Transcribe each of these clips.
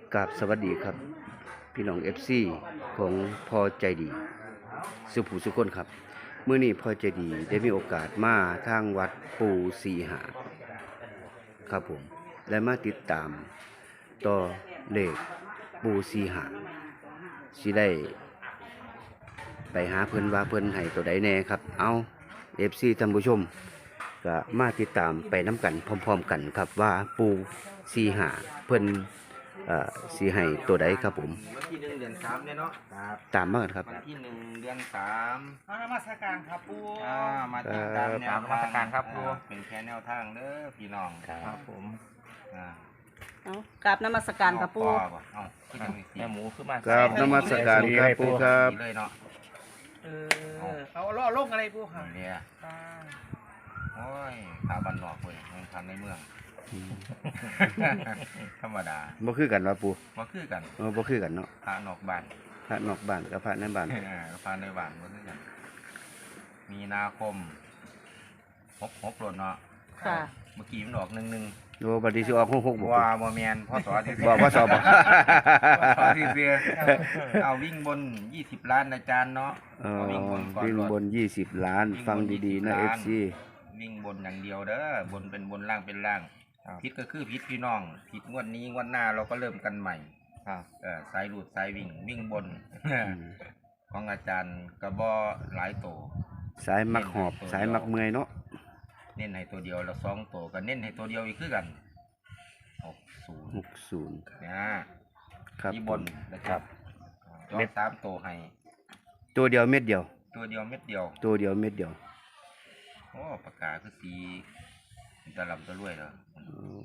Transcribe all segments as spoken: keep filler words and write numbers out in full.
กราบสวัสดีครับพี่น้อง เอฟ ซี ของพอใจดีสุภูสุคนครับเมื่อนี้พอใจดีได้มีโอกาสมาทางวัดปูสีหาครับผมและมาติดตามต่อเลขปูสีหาสิได้ไปหาเพิ่นว่าเพิ่นให้ตัวใดแน่ครับเอา เอฟ ซี ท่านผู้ชมก็มาติดตามไปน้ำกันพร้อมๆกันครับว่าปูสีหาเพิ่นเอ่อสีให้ตัวใดครับผมวันที่หนึ่งเดือนสามเนี่ยเนาะครับตามมากันครับวันที่หนึ่งเดือนสามมานมัสการครับปูอ่ามาติดตามแนวครับนมัสการครับครูอ่าเป็นแค่แนวทางเด้อพี่น้องครับผมอ่าเอากราบนมัสการครับปูเอาบ่เอาขึ้นจังสิแม่หมูขึ้นมาครับนมัสการครับปูครับดีเลยเนาะเออเอาล่อลงอะไรปูครับนี่เนี่ยอ่าโอ้ยขาบันนอกเว้ยมันทำในเมือง ธรรมดาบ่คือกันว่าปูมาคือกันเออบ่คือกันเนาะพระนอกบ้านพระนอกบ้านกับพระในบ้านอ่าพระในบ้านมาคือกันมีนาคมหกหกโลดเนาะค่ะเมื่อกี้มันออกหนึ่งหนึ่งโอ้บัดนี้สิออกหกหกบ่ปูว่าบ่แมนพ่อสอที่บอกว่าสอบบ่พ่อที่เสียเอาวิ่งบนยี่สิบล้านอาจารย์เนาะเออเอาวิ่งบนก่อนวิ่งรถบนยี่สิบล้านฟังดีๆนะ เอฟ ซีวิ่งบนอย่างเดียวเด้อบนเป็นบนล่างเป็นล่างพิษก็คือพิษพี่น้องพิษงวดนี้งวดหน้าเราก็เริ่มกันใหม่ครับเออสายหลุดสายวิ่งวิ่งบน ของอาจารย์กระบอหลายโตสายมักหอบสายมักเมื่อยเนาะเน้นให้ตัวเดียวแล้วสองโตก็เน้นให้ตัวเดียวอีกคือกันหกศูนย์หกศูนย์นะครับที่บนนะครับจอสามโตให้ตัวเดียวเม็ดเดียวตัวเดียวเม็ดเดียวตัวเดียวเม็ดเดียวโอ้ปากกาคือสีตะลำตะลุ่ยเหรอโอ้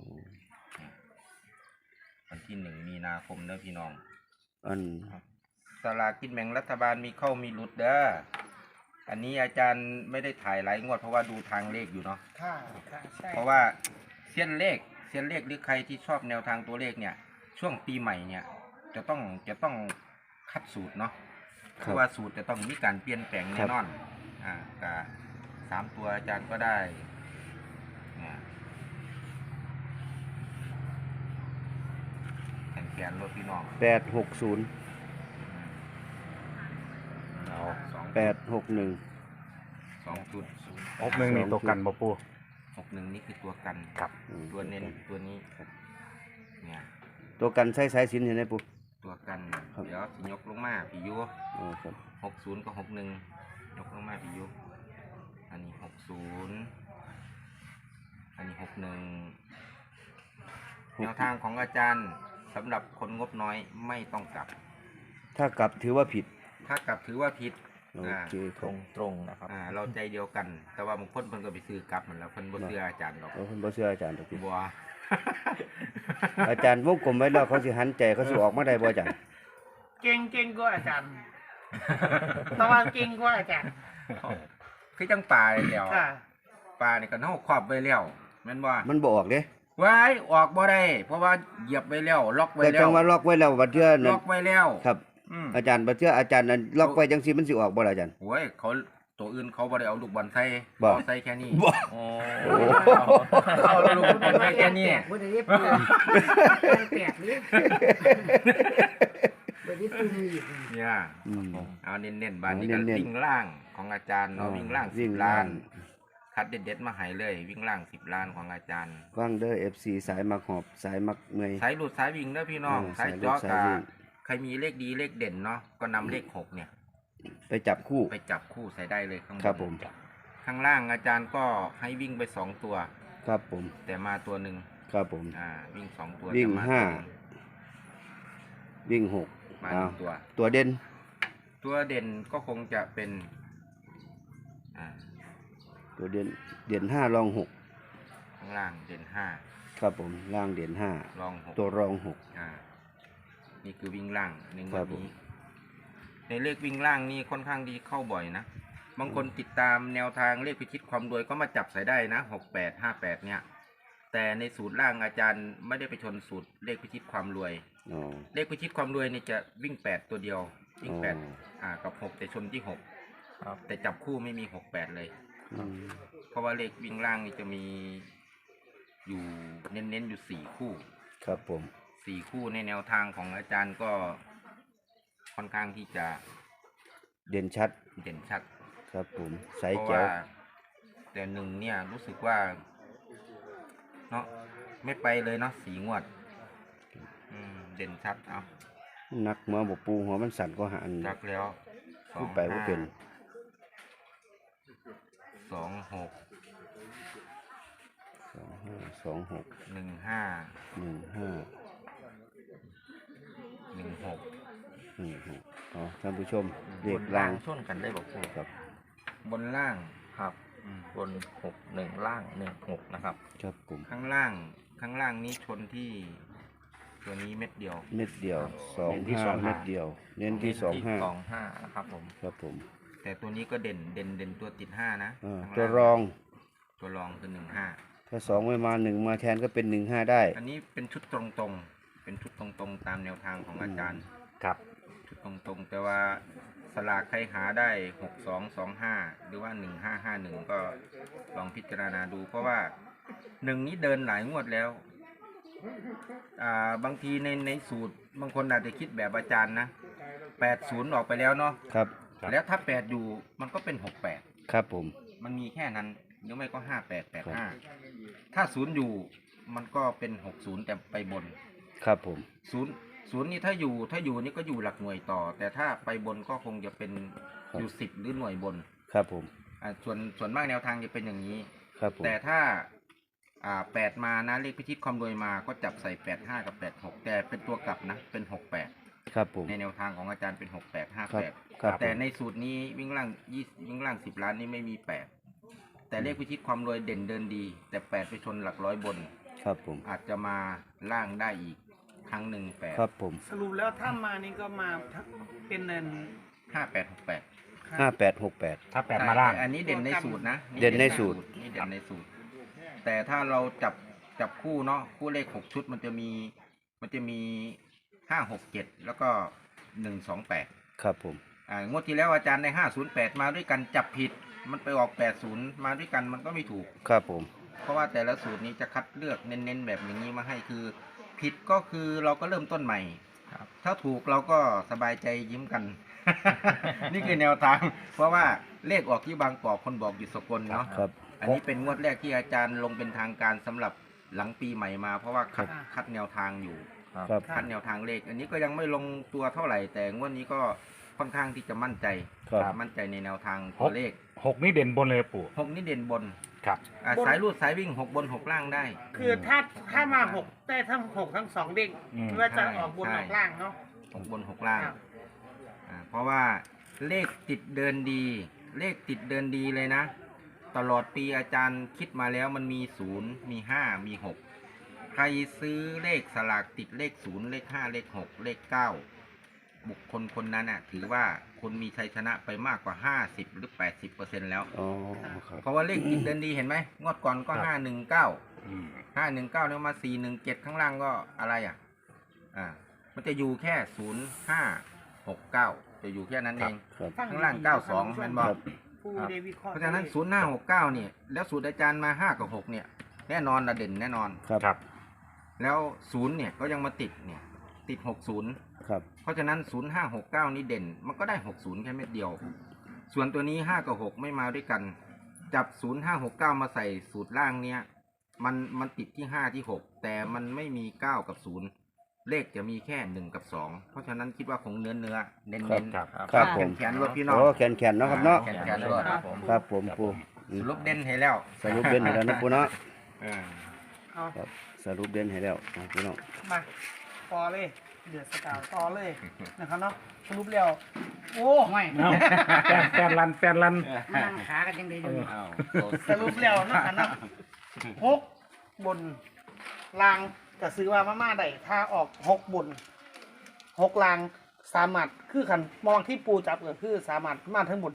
วันที่หนึ่งมีนาคมเด้อพี่น้องอันสลากกินแบ่งรัฐบาลมีเข้ามีหลุดเด้ออันนี้อาจารย์ไม่ได้ถ่ายหลายงวดเพราะว่าดูทางเลขอยู่เนาะค่ะค่ะใช่เพราะว่าเส้นเลขเส้นเลขหรือใครที่ชอบแนวทางตัวเลขเนี่ย ช่วงปีใหม่เนี่ย จะต้องจะต้องคัดสูตรเนาะเพราะว่าสูตรจะต้องมีการเปลี่ยนแปลงแน่นอนอ่ากะสามตัวอาจารย์ก็ได้เนี่ยแขนแขนรถพี่น้องแปดหกศูนย์เอาสองแปดหกหนึ่งสองจุดหกหนึ่งนี่ตัวกันบ่ปูหกหนึ่งนี่คือตัวกันครับตัวเน้นตัวนี้เนี่ยตัวกันใช้สายสิญจนเห็นไหมปูตัวกันครับเดี๋ยวสิยกลงมาพี่ยุอ๋อครับหกศูนย์กับหกหนึ่งยกลงมาพี่ยุอันนี้หกศูนย์อันนี้หกหนึ่งแนวทางของอาจารย์สำหรับคนงบน้อยไม่ต้องกลับถ้ากลับถือว่าผิดถ้ากลับถือว่าผิดโออ่าเคคตรัรบงตรงๆนะครับอ่าเราใจเดียวกัน แต่ว่าบางคนเพิ่นก็ไปซื้อกลับเหมือนแล้วเพิ่นบ่เชื่ออาจารย์หรอกเอาคนบ่เชื่ออาจารย์ตะกี้บัวอาจารย์วงกลมไว้แล้วเขาสิหันใจเขาสิออกมาได้บ่อาจารย์เก่งเก่งกว่าอาจารย์ตะวันเก่งกว่าอาจารย์คือจังปลาเลยแล้วค่ะปลานี่ก็เฮาครอบไว้แล้วแม่นบ่มันบ่ออกเด้ไว้ออกบ่ได้เพราะว่าเหยียบไว้แล้วล็อกไว้แต่แล้จัวงว่าล็อกไว้แล้วบัดเทื่อล็นั้นอกไว้แล้วครับอืมอาจารย์บัดเทื่ออาจารย์นั้นล็อกไว้จังซี่มันสิออกบ่ล่ะอาจารย์โอ้ยเขาตัวอื่นเขาบ่ได้เอาลูกบอลใส่บ่เอาใส่แค่นี้บ่โอ้เอาลูกบอลใส่แค่นี้บ่ได้เรียบร้อยแปดนี่บ่ได้ซื้ออีกเนี่ยอืมเอาเน้นๆบานนี้ก็เน้นๆวิ่งล่างของอาจารย์เนาะวิ่งล่างวิ่สิงบล่าล้าง น คัดเด็ดๆมาให้เลย วิ่งล่างสิบล้านของอาจารย์ฟังเด้อ เอฟ ซี สายมักหอบสายมักเมื่อยสายหลุดสายวิ่งเด้อพี่น้องเออสายสายหลุดเจาะสายกาวิ่งใครมีเลขดีเลขเด่นเนาะก็นำเลขหกเนี่ยไปจับคู่ไปจับคู่ใส่ได้เลยข้างบนครับผมข้างล่างอาจารย์ก็ให้วิ่งไปสองตัวครับผมแต่มาตัวหนึ่งครับผมอ่าวิ่งสองตัววิ่งแต่มห้าตัวนึ่วิ่งหกมาหอ้านึ่วงตัวตัวเด่นตัวเด่นก็คงจะเป็นอ่าตัวเด่นเด่นห้ารองหกข้างล่างเด่นห้าครับผมล่างเด่นห้ารองหกตัวรองหกอ่านี่คือวิ่งล่างในงครัวดบผมนี้ในเลขวิ่งล่างนี่ค่อนข้างดีเข้าบ่อยนะบางคนติดตามแนวทางเลขพิชิตความรวยก็มาจับใส่ได้นะหกแปดห้าแปดเนี่ย แต่ในสูตรล่างอาจารย์ไม่ได้ไปชนสูตรเลขพิชิตความรวยอ๋อเลขพิชิตความรวยนี่จะวิ่งแปดตัวเดียว วิ่งแปดอ๋ออ่ากับหกแต่ชนที่หกครับแต่จับคู่ไม่มีหกแปดเลยอืมเพราะว่าเลขวิ่งล่างนี่จะมีอยู่เน้นๆอยู่สี่คู่ครับผมสี่คู่ในแนวทางของอาจารย์ก็ค่อนข้างที่จะเด่นชัดเด่นชัดครับผมใสเพราะแจ๋ว่าว แต่หนึ่งเนี่ยรู้สึกว่าเนาะไม่ไปเลยเนาะสีงวดอืมเด่นชัดเอานักหัวบ่ปูหัวมันสั่นก็หันจักแล้วสอพูงดไปว่าเป็นสองหกสองห้าสองหกหนึ่งห้าหนึ่งห้าหนึ่งหกหนึ่งหกอ๋อท่านผู้ชมอืมเรียกล่างชนกันได้บอกปูครับบนล่างครับอืมบนหกหนึ่งล่างหนึ่งหกนะครับครับผมข้างล่างข้างล่างนี้ชนที่ตัวนี้เม็ดเดียวเม็ดเดียวสองเน้นที่ห้าสองห้าเม็ดเดียว เน้นที่สองห้าสองห้านะครับผมครับผมแต่ตัวนี้ก็เด่นเด่นเด่นตัวติดห้านะอ่าข้างตัวล่างรองตัวรองคือหนึ่งห้าถ้าสองไม่มาหนึ่งมาแทนก็เป็นหนึ่งห้าได้อันนี้เป็นชุดตรงๆ เป็นชุดตรงๆ ตามแนวทางของอาจารย์ครับชุดตรงๆ แต่ว่าสลากใครหาได้หกสองสองห้าหรือว่าหนึ่งห้าห้าหนึ่งก็ลองพิจารณาดู เพราะว่าหนึ่งนี้เดินหลายงวดแล้ว อ่าบางทีในในสูตรบางคนอาจจะคิดแบบอาจารย์นะแปดศูนย์ออกไปแล้วเนาะครับครับแล้วถ้าแปดอยู่มันก็เป็นหกแปดครับผมมันมีแค่นั้นหรือไม่ก็ห้าแปดแปดห้าถ้าศูนย์อยู่มันก็เป็นหกศูนย์แต่ไปบนครับผมศูนย์ศูนย์นี่ถ้าอยู่ถ้าอยู่นี่ก็อยู่หลักหน่วยต่อ แต่ถ้าไปบนก็คงจะเป็นอยู่สิบหรือหน่วยบนครับผมอ่าส่วนส่วนมากแนวทางจะเป็นอย่างนี้ครับผมแต่ถ้าอ่าแปดมานะเลขพิชิตความรวยมาก็จับใส่แปดห้ากับแปดหกแต่เป็นตัวกลับนะเป็นหกแปดครับผมในแนวทางของอาจารย์เป็นหกแปดห้าครับแปดครับแต่ในสูตรนี้วิ่งล่างยี่วิ่งล่างสิบล้านนี่ไม่มีแปดแต่เลขพิชิตความรวยเด่นเดินดี แต่แปดไปชนหลักร้อยบนครับผมอาจจะมาล่างได้อีกครั้งหนึ่งแปดครับผมสรุปแล้วถ้ามานี่ก็มาเป็นเนินห้าแปดหกแปดห้าแปดหกแปดถ้าแปดมาล่างอันนี้เด่นในสูตรนะเด่นในสูตรนี่เด่นในสูตร แต่ถ้าเราจับจับคู่เนาะคู่เลขหกชุดมันจะมีมันจะมีห้าหกเจ็ดแล้วก็หนึ่งสองแปดครับผมอ่างวดที่แล้วอาจารย์ในห้าศูนย์แปดมาด้วยกันจับผิด มันไปออกแปดศูนย์มาด้วยกันมันก็ไม่ถูกครับผมเพราะว่าแต่ละสูตรนี้จะคัดเลือกเน้นๆแบบอย่างนี้มาให้คือ ผิดก็คือเราก็เริ่มต้นใหม่ครับถ้าถูกเราก็สบายใจยิ้มกัน นี่คือแนวทาง เพราะว่าเลขออกที่บางกอกคนบอกอยู่สกลเนาะครับอันนี้เป็นงวดแรกที่อาจารย์ลงเป็นทางการสำหรับหลังปีใหม่มา เพราะว่าคัดคัดแนวทางอยู่ครับครับคัดแนวทางเลข อันนี้ก็ยังไม่ลงตัวเท่าไหร่ แต่งวดนี้ก็ค่อนข้างที่จะมั่นใจครับมั่นใจในแนวทางตัวเลขหกนี่เด่นบนเลยปู่หกนี่เด่นบนครับอ่ะสายรูดสายวิ่งหกบนหกล่างได้คือถ้าถ้ามาหกได้ทั้งหกทั้งสองเด้งอืมไม่ว่าจะใช่ออกบนใช่ออกล่างเนาะหกบนหกล่างครับอ่าเพราะว่าเลขติดเดินดี เลขติดเดินดีเลยนะ ตลอดปีอาจารย์คิดมาแล้วมันมีศูนย์มีห้ามีหกใครซื้อเลขสลากติดเลขศูนย์เลขห้าเลขหกเลขเก้าบุคคลคนนั้นน่ะถือว่าคนมีชัยชนะไปมากกว่าห้าสิบหรือแปดสิบเปอร์เซ็นต์แล้วอ๋อครับเพราะว่าเลขติดเดินดีเห็นไหมงวดก่อนก็ครับห้าหนึ่งเก้าอืมห้าหนึ่งเก้าเนี่ยมาสี่หนึ่งเจ็ดข้างล่างก็อะไรอ่ะ อ่า มันจะอยู่แค่ศูนย์ห้าหกเก้าจะอยู่แค่นั้นเองครับฟัข้างล่างดีๆเก้าสองท่แม่นนผู้บชอกผู้ได้วิเคราะห์เพราะฉะนั้นศูนย์ห้าหกเก้าเนี่ย แล้วสูตรอาจารย์มาห้ากับหกเนี่ย แน่นอนระเด่นแน่นอนครับครับแล้วศูนย์เนี่ยก็ยังมาติดเนี่ย ติดหกศูนย์ครับเพราะฉะนั้นศูนย์ห้าหกเก้านี่เด่น มันก็ได้หกศูนย์แค่เม็ดเดียว ส่วนตัวนี้ห้ากับหกไม่มาด้วยกัน จับศูนย์ห้าหกเก้ามาใส่สูตรล่างเนี้ย มันมันติดที่ห้าที่หกแต่มันไม่มีเก้ากับศูนย์เลขจะมีแค่หนึ่งกับสองเพราะฉะนั้นคิดว่าคงเนื้อเนื้อเน้นครัเน้บนครับครับผมแขนๆรวดพี่น้องโอ้แขนแขนๆเนาะครับเนาะแขนแขนรวดครับผมครับผมปูอืสมรุปเด่นให้แล้วสรุปเด่นให้แล้วนะปูเนาะเออเอาครับสรุปเด่นให้แล้วนะพี่น้องมาต่อเลยเดือดสกาวต่อเลยนะครับเนาะสรุปแล้วโอ้ไม่เอาแปนแปนลันแปนลันนั่งขากันยังดีอยู่อ้าวสรุปแล้วเนาะอันนั้นหกบนลางก็ซื้อว่ามาม่าได้ถ้าออกหกบนหกลางสามารถคือขันมองที่ปูจับก็คือสามารถมาทั้งหมด